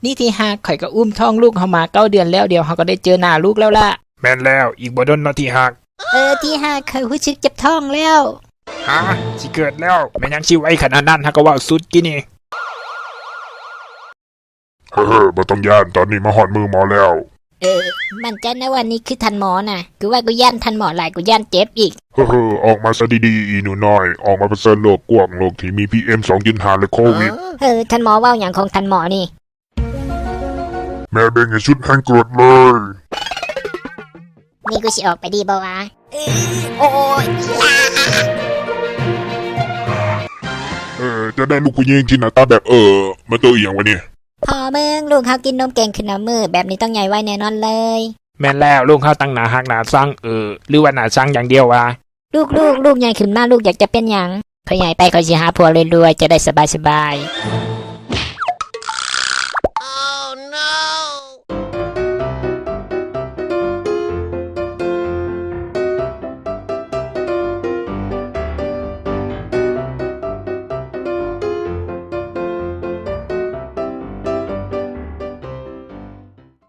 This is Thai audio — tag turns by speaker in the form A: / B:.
A: นี่ที่ฮักข่อยก็อุ้มท้องลูกเขามา9 เดือนแล้วเดี๋ยวเขาก็ได้เจอหน้าลูกแล้วล่ะ
B: แม่นแล้วอีกบ่ดนเนาะที่ฮัก
A: ที่ฮักข่อยรู้สึกเจ็บท้องแล้ว
B: ฮะสิเกิดแล้วแม่ยังสิไว้ขนาดนั้นฮักก็ว่าสุดกินี่
C: เฮ้อบ่ต้องย่านตอนนี้มาหอดมือหมอแล้ว
A: มันใจนะวันนี้คือทันหมอน่ะคือว่ากูย่านทันหมอหลายกูย่านเจ็บอีก
C: เฮ้อออกมาซะดีๆอีหนูน้อยออกมาเผชิญโลกกว้างโลกที่มี PM 2.5และโควิด
A: ทันหมอเว้าหยังของทันหมอนี่
C: แม่เบ่งให้ชุดแห่งกรดเลย
A: นี่กูสิออกไปดีบ่วะโอ้ย
C: จะได้ลูกผู้หญิงที่หน้าตาแบบมาตัวอีหยังวะเนี่ย
A: พอเมืองลูกเขากินนมเก่งขึ้นน้ำมือแบบนี้ต้องใหญ่ไว้แน่นอนเลย
B: แม่นแล้วลูกเขาตั้งหน้าฮักหน้าซังหรือว่าหน้าซังอย่างเดียววะ
A: ลูกใหญ่ขึ้นมาลูกอยากจะเป็นหยังพอใหญ่ไปเขาสิหาผัวรวยๆจะได้สบาย